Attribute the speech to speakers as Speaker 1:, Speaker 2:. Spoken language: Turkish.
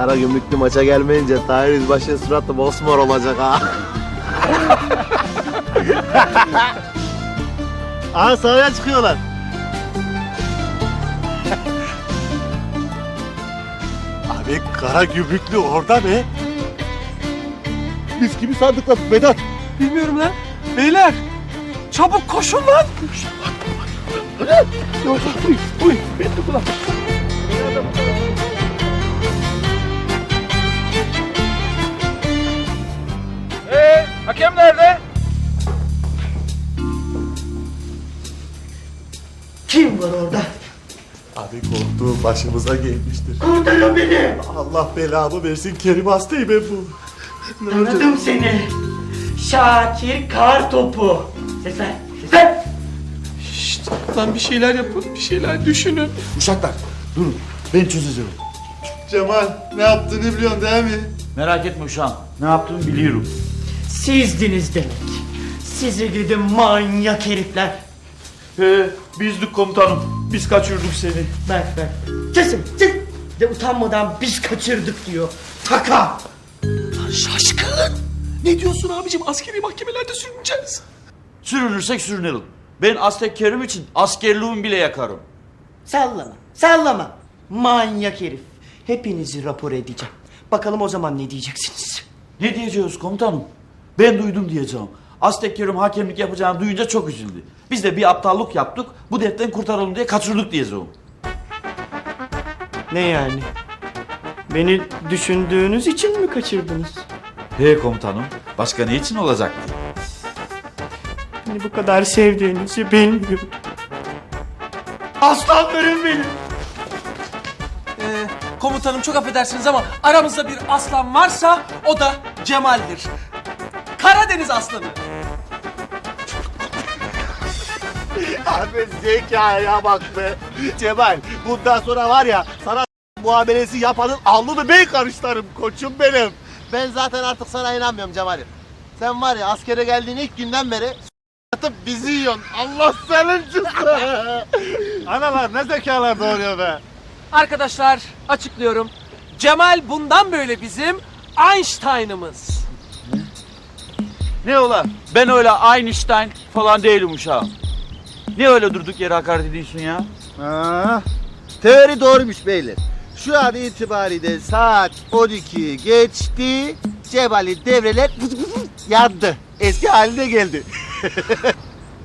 Speaker 1: Karagümrüklü maça gelmeyince Tahir Yüzbaşı'nın suratı mosmor olacak ha. Aha sahaya çıkıyorlar.
Speaker 2: Abi Karagümrüklü orada be. Biz kimi sandık lan Vedat?
Speaker 3: Bilmiyorum lan. Beyler çabuk koşun lan. Hakem nerede?
Speaker 4: Kim var orada?
Speaker 2: Abi korktuğum başımıza gelmiştir.
Speaker 4: Kurtarın beni.
Speaker 2: Allah belamı versin Kerim hastayım ben bu.
Speaker 4: Tanıdım seni. Şakir Kartopu. Ses ver, ses ver.
Speaker 3: Şşt, lan bir şeyler yapın, bir şeyler düşünün.
Speaker 2: Uşaklar durun ben çözeceğim. Cemal ne yaptığını biliyorsun değil mi?
Speaker 5: Merak etme uşağım. Ne yaptığımı biliyorum.
Speaker 4: Sizdiniz demek. Sizi gidin manyak herifler.
Speaker 5: Bizdik komutanım. Biz kaçırdık seni.
Speaker 4: Bak. Kesin. De utanmadan biz kaçırdık diyor. Taka.
Speaker 3: Şaşkın. Ne diyorsun abicim? Askeri mahkemelerde sürüneceğiz.
Speaker 5: Sürünürsek sürünelim. Ben Aztek Kerim için askerliğimi bile yakarım.
Speaker 4: Sallama. Manyak herif. Hepinizi rapor edeceğim. Bakalım o zaman ne diyeceksiniz?
Speaker 5: Ne diyeceğiz komutanım? Ben duydum diyeceğim. Aztek Kerim hakemlik yapacağını duyunca çok üzüldü. Biz de bir aptallık yaptık. Bu dertten kurtaralım diye kaçırdık diyeceğim.
Speaker 4: Ne yani? Beni düşündüğünüz için mi kaçırdınız?
Speaker 5: He komutanım. Başka ne için olacaktı?
Speaker 4: Beni bu kadar sevdiğinizi bilmiyorum. Aslanlarım benim.
Speaker 3: Komutanım çok affedersiniz ama aramızda bir aslan varsa o da Cemal'dir. Karadeniz aslanı.
Speaker 1: Abi zekaya bak be. Cemal bundan sonra var ya sana muamelesi yapanın alnını ben karışlarım koçum benim. Ben zaten artık sana inanmıyorum Cemal'im. Sen var ya askere geldiğin ilk günden beri atıp bizi yiyorsun. Allah senin cüzdanı. Analar ne zekalar doğuruyor be.
Speaker 3: Arkadaşlar açıklıyorum. Cemal bundan böyle bizim Einstein'ımız.
Speaker 5: Ne ola? Ben öyle Einstein falan değilim uşağım. Ne öyle durduk yere hakaret ediyorsun ya?
Speaker 1: Teori doğruymuş beyler. Şu an itibariyle saat 12 geçti. Cemal'in devreler yandı. Eski haline geldi.